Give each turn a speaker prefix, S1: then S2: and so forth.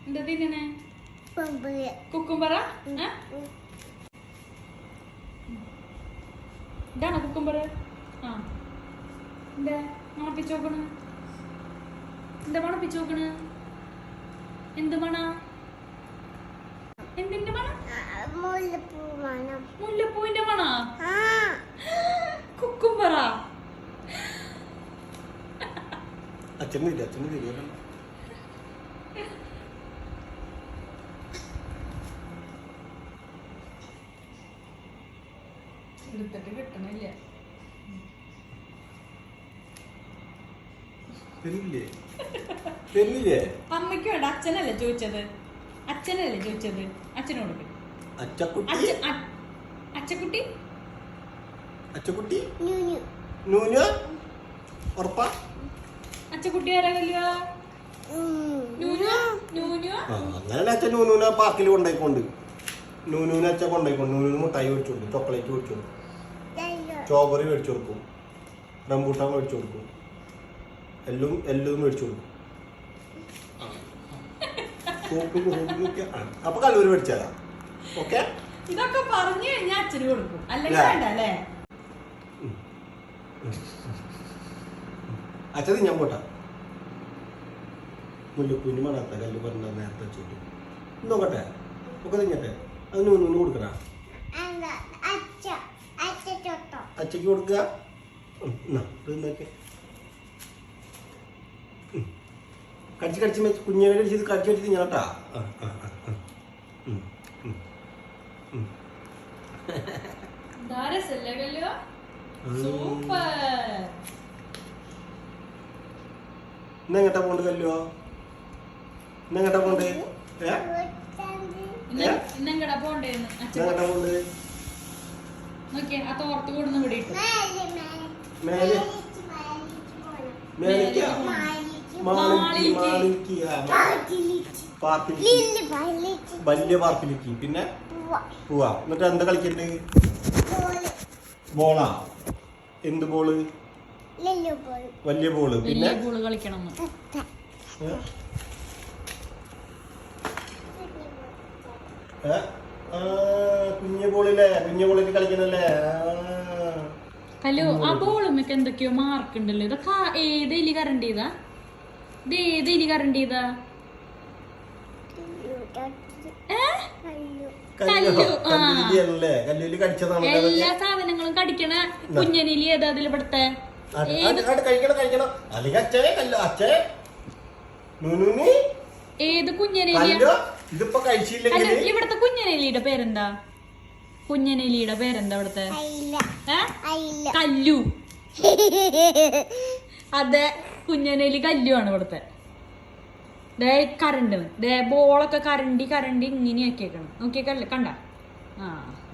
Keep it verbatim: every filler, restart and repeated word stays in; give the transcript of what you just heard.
S1: എന്താ തിന്നണേ? കുക്കുംബറ? ഇതാണോ കുക്കുംബർ? ആ എന്താ മണപ്പിച്ച് നോക്കണ്? എന്താ മണപ്പിച്ച് നോക്കണ്? എന്ത് മണ? എന്തിന്റെ മണ? മുല്ലപ്പൂവിന്റെ മണ? കുക്കുംബറ?
S2: അച്ഛനില്ല അച്ഛനില്ല
S1: എടുത്തിട്ട് കിട്ടണില്ല. അമ്മയ്ക്ക് വേണ്ട, അച്ഛനല്ലേ ചോദിച്ചത്? അച്ഛനല്ലേ ചോദിച്ചത്? അച്ഛനോട് അച്ചക്കുട്ടി
S2: അച്ചക്കുട്ടി
S1: അച്ചക്കുട്ടി ആരാ കല്ലുവാ?
S2: അങ്ങനെ അച്ഛൻ നൂനൂനെ പാർക്കിൽ കൊണ്ടുപോയിക്കൊണ്ട് നൂനൂനെ അച്ഛൻ കൊണ്ടുപോയിക്കൊണ്ട് നൂനൂന് മുട്ടായി മേടിച്ചു കൊടുക്കും, ചോക്ലേറ്റ് മേടിച്ചു കൊടുക്കും, സ്ട്രോബെറി മേടിച്ചു കൊടുക്കും, റംബൂട്ടാൻ മേടിച്ചു കൊടുക്കും, എല്ലാം എല്ലാം മേടിച്ചു കൊടുക്കും. അപ്പൊ കല്ലൂര് മേടിച്ചാലാ. ഓക്കെ,
S1: ഇതൊക്കെ പറഞ്ഞു കഴിഞ്ഞാൽ അച്ഛന് കൊടുക്കും, അല്ലെങ്കിൽ വേണ്ട അല്ലേ?
S2: അച്ഛൻ ഞാൻ പോട്ടാ. മുല്ലപ്പൂവിന് മണാത്ത കല്ല് പറഞ്ഞ നേരത്തെ വെച്ചോട്ടു നോക്കട്ടെ, ഒക്കെ തിങ്ങട്ടെ. അത് നൂനൂന് കൊടുക്കണ, അച്ഛക്ക് കൊടുക്കുക. കടിച്ച് കടിച്ച് കുഞ്ഞിനെ കടിച്ചത് കടിച്ച് കടിച്ച് തിങ്ങാട്ടാ. ഇന്നെങ്ങട്ടാ പോണ്ട് കല്ലോ? ഇന്നെങ്ങട്ടാ പോണ്ട്?
S1: ഇന്നെങ്ങടാ പോണ്ടേന്ന്
S2: ഇന്നെങ്ങട്ടാ പോണ്ട്?
S1: നോക്കിയേ, ആ തോർത്ത് കൊടുന്ന് വിടിട്ടു.
S2: മേലെ മേലേക്കാ? മാളിക്ക് മാളിക്ക് പാർക്കിലേക്ക്, വലിയ പാർക്കിലേക്ക്. പിന്നെ പോവാ. എന്നിട്ട് എന്താ കളിക്കണ്ട്? ബോളാ? എന്ത് ബോള്? വലിയ ബോള്. പിന്നെ
S1: ബോള് കളിക്കണം.
S2: കുഞ്ഞു ബോളില്ലേ? കുഞ്ഞു ബോളിൽ കളിക്കണല്ലേ?
S1: ഹലോ, ആ ബോളുമ്മക്ക് എന്തൊക്കെയോ മാർക്ക് ഉണ്ടല്ലോ. ഇതൊക്കെ ഏത് എലി കറണ്ട് ചെയ്താ? ഇത് ഏത് എലി കറണ്ട് ചെയ്താ? എല്ലാ സാധനങ്ങളും കടിക്കണ കുഞ്ഞനെലി ഏതാ അതിൽ പെടുത്തെ? ഏത് കുഞ്ഞനെലിയാ? ഇവിടത്തെ കുഞ്ഞനെലിയുടെ പേരെന്താ? കുഞ്ഞനെലിയുടെ പേരെന്താ ഇവിടത്തെ? കല്ലു. അതെ, കുഞ്ഞനെലി കല്ലു ആണ് ഇവിടത്തെ. ദേ കരണ്ട്, ദേ ബോളൊക്കെ കരണ്ടി കരണ്ടി ഇങ്ങനെ ആക്കിയേക്കണം. നോക്കിയേക്കല്ലേ, കണ്ട? ആ